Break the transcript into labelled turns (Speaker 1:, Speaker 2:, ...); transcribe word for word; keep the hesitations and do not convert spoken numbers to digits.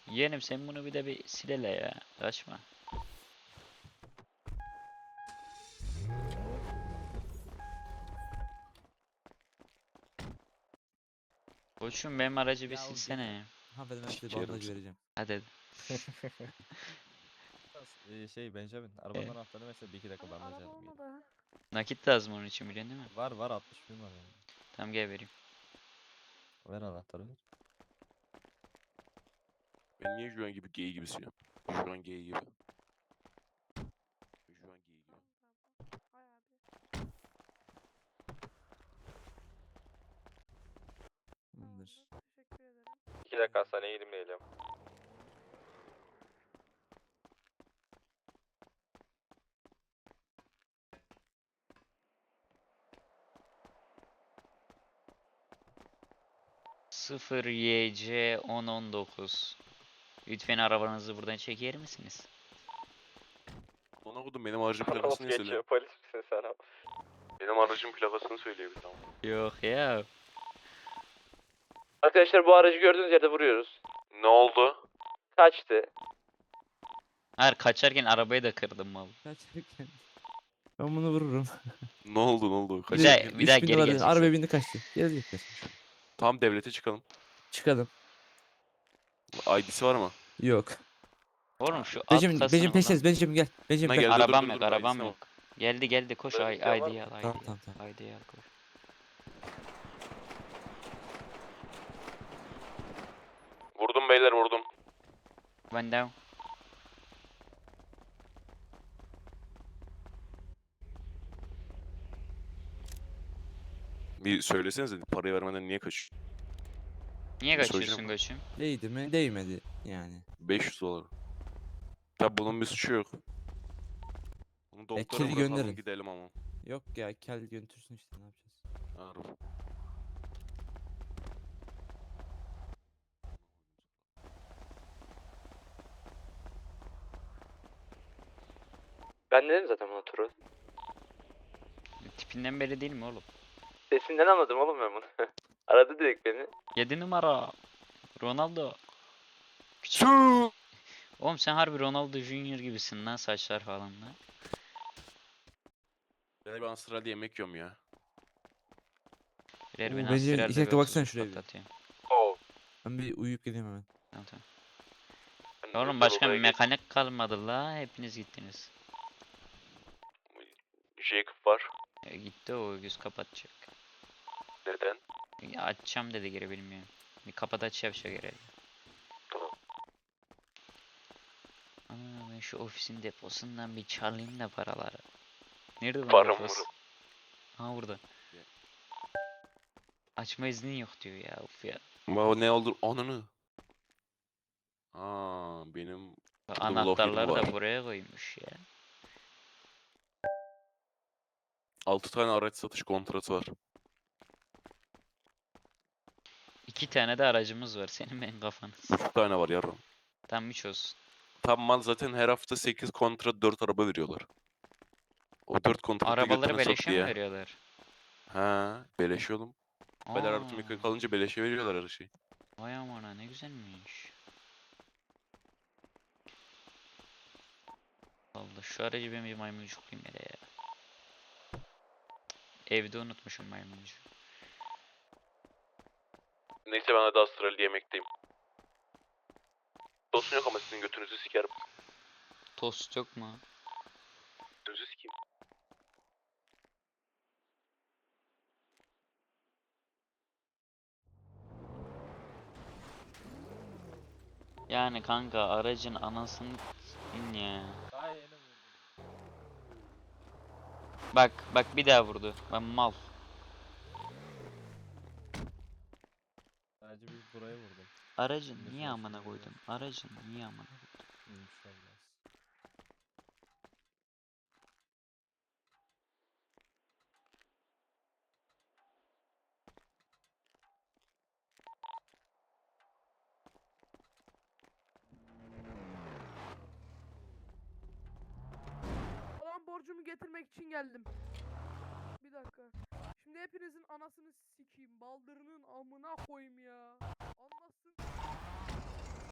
Speaker 1: Yeğenim sen bunu bir de bir silele ya. Kaçma. Koçum benim aracı bir
Speaker 2: Ya o
Speaker 1: silsene
Speaker 2: gene-
Speaker 1: ya.
Speaker 2: Hanımefendi ben size
Speaker 3: Sikerim
Speaker 2: bandaj
Speaker 3: seni.
Speaker 2: vereceğim.
Speaker 1: Hadi hadi.
Speaker 2: Ee, şey Benjamin arabanın
Speaker 1: Ee?
Speaker 2: anahtarını mesela bir iki dakika
Speaker 4: Abi
Speaker 2: bandaj
Speaker 4: araba
Speaker 2: alayım.
Speaker 4: olmadı ha.
Speaker 1: Nakit lazım onun için biliyorsun değil mi?
Speaker 2: Var var altmış bin var yani.
Speaker 1: Tamam gel vereyim.
Speaker 2: Ver anahtarı ver.
Speaker 3: Ben niye şu an gibi gay gibisin ya? Şu an gay gibi. Şu an gay gibi.
Speaker 4: Ay abi.
Speaker 2: Tamamdır.
Speaker 4: Tamamdır. Teşekkür ederim.
Speaker 5: İki dakika hastaneye gidip geliyorum.
Speaker 1: sıfır Y C on on dokuz. Lütfen arabanızı buradan çeker misiniz?
Speaker 3: Ona kodum benim aracın
Speaker 5: Nasıl
Speaker 3: plakasını ne söyle?
Speaker 5: geçiyor? Polis misin sen abi?
Speaker 3: Benim aracın plakasını söyle bir tamam.
Speaker 1: Yok ya.
Speaker 5: Arkadaşlar bu aracı gördüğünüz yerde vuruyoruz.
Speaker 3: Ne oldu?
Speaker 5: Kaçtı.
Speaker 1: Hayır kaçarken arabayı da kırdım mal.
Speaker 2: Kaçarken. Ben bunu vururum.
Speaker 3: Ne oldu ne oldu?
Speaker 1: Bir
Speaker 3: Kaç
Speaker 1: daha-
Speaker 3: dakika?
Speaker 1: bir daha
Speaker 2: üç bin
Speaker 1: geri
Speaker 2: dolar
Speaker 1: geleceksin.
Speaker 2: arabaya bindi kaçtı. Gelecekler.
Speaker 3: Tam devlete çıkalım.
Speaker 2: Çıkalım.
Speaker 3: I D'si var mı?
Speaker 2: Yok.
Speaker 1: Oğlum şu alt
Speaker 2: Benjamin,
Speaker 1: kasını
Speaker 2: Benjamin
Speaker 1: kullan.
Speaker 2: peşiniz. Benjamin gel. Benjamin
Speaker 3: Ne
Speaker 2: gel.
Speaker 3: geldi? Dur,
Speaker 1: Arabam
Speaker 3: dur,
Speaker 1: yok
Speaker 3: dur,
Speaker 1: arabam
Speaker 3: I'sine
Speaker 1: yok. Geldi geldi koş
Speaker 5: Böyle
Speaker 1: ay
Speaker 5: bir şey var
Speaker 1: I D'yi
Speaker 5: mı?
Speaker 1: al I D'yi
Speaker 2: Tamam,
Speaker 1: al.
Speaker 2: tamam, tamam.
Speaker 1: I D'yi al koş.
Speaker 3: Vurdum beyler vurdum.
Speaker 1: One down.
Speaker 3: Bir söylesenize parayı vermeden niye kaç?
Speaker 1: Niye
Speaker 3: Bir
Speaker 1: kaçıyorsun
Speaker 3: soracağım.
Speaker 1: koçum?
Speaker 2: Değdi mi? Değmedi yani.
Speaker 3: beş yüz dolar. Tabi bunun bir suçu yok. Bunu doktora
Speaker 2: kedi
Speaker 3: bırakalım
Speaker 2: gönderin.
Speaker 3: gidelim ama.
Speaker 2: Yok ya kel götürsün işte ne yapacağız.
Speaker 3: Harbi.
Speaker 5: Ben dedim zaten buna turu.
Speaker 1: Tipinden beri değil mi oğlum?
Speaker 5: Sesinden anladım oğlum ben bunu. Aradı direkt beni.
Speaker 1: yedi numara. Ronaldo. Küçük.
Speaker 3: Su.
Speaker 1: Oğlum sen harbi Ronaldo Junior gibisin lan saçlar falan lan.
Speaker 3: Ben bir Avustralya'da yemek yiyorum ya.
Speaker 1: Birer
Speaker 2: Oo,
Speaker 1: beni
Speaker 2: bence
Speaker 1: aspiralde
Speaker 2: iki dakika
Speaker 1: bir
Speaker 2: baksana
Speaker 1: otuz
Speaker 2: şuraya bir.
Speaker 1: patlatayım.
Speaker 5: Oo.
Speaker 2: Ben bir uyuyup geleyim hemen.
Speaker 1: Tamam tamam. Oğlum başka bir mekanik kalmadı la. Hepiniz gittiniz.
Speaker 3: Jacob var.
Speaker 1: E, gitti o göz kapatacak.
Speaker 3: Neden?
Speaker 1: Ya açacağım dedi geri bilmiyorum. Bir kapat aç yapacak herhalde.
Speaker 3: Tamam.
Speaker 1: Aa, ben şu ofisin deposundan bir çalayım da paraları. Nerede bunun
Speaker 3: Param
Speaker 1: deposu?
Speaker 3: var.
Speaker 1: Ha burada.
Speaker 3: Ya.
Speaker 1: Açma iznin yok diyor ya of ya.
Speaker 3: Baba ne olur ananı. Aa benim burada bir laf
Speaker 1: Anahtarları
Speaker 3: yerim
Speaker 1: da
Speaker 3: var.
Speaker 1: buraya koymuş ya.
Speaker 3: altı tane araç satış kontratı var.
Speaker 1: İki tane de aracımız var senin ben kafanız.
Speaker 3: üç tane var yarım.
Speaker 1: Tam üç olsun.
Speaker 3: Tam mal zaten her hafta sekiz kontrat dört araba veriyorlar. O dört kontratı
Speaker 1: Arabaları
Speaker 3: götüne sat
Speaker 1: beleşe mi
Speaker 3: diye.
Speaker 1: veriyorlar?
Speaker 3: Ha, beleş oğlum. Bedel artı
Speaker 1: Aa,
Speaker 3: mekanik alınca beleşe veriyorlar her şeyi.
Speaker 1: vay amına ne güzelmiş. Allah şu aracı ben bir maymuncuklayayım hele ya. Evde unutmuşum maymuncu.
Speaker 3: Neyse ben hadi Avustralya yemekteyim. Dostun yok ama sizin götünüzü sikerim.
Speaker 1: Tost yok mu?
Speaker 3: Götünüzü sikeyim.
Speaker 1: Yani kanka aracın anasını in ya.
Speaker 2: Daha yeni vurdum.
Speaker 1: Bak bak bir daha vurdu. Ben mal.
Speaker 2: Sadece bir buraya vurdum.
Speaker 1: Aracın
Speaker 2: Şimdi
Speaker 1: niye
Speaker 2: şöyle
Speaker 1: amına
Speaker 2: şöyle
Speaker 1: koydun? Aracın niye amına koydun?
Speaker 2: İyiymiş lan biraz.
Speaker 4: Olan borcumu getirmek için geldim. Bir dakika. Şimdi hepinizin anasını sikeyim. Baldırının amına koyayım ya.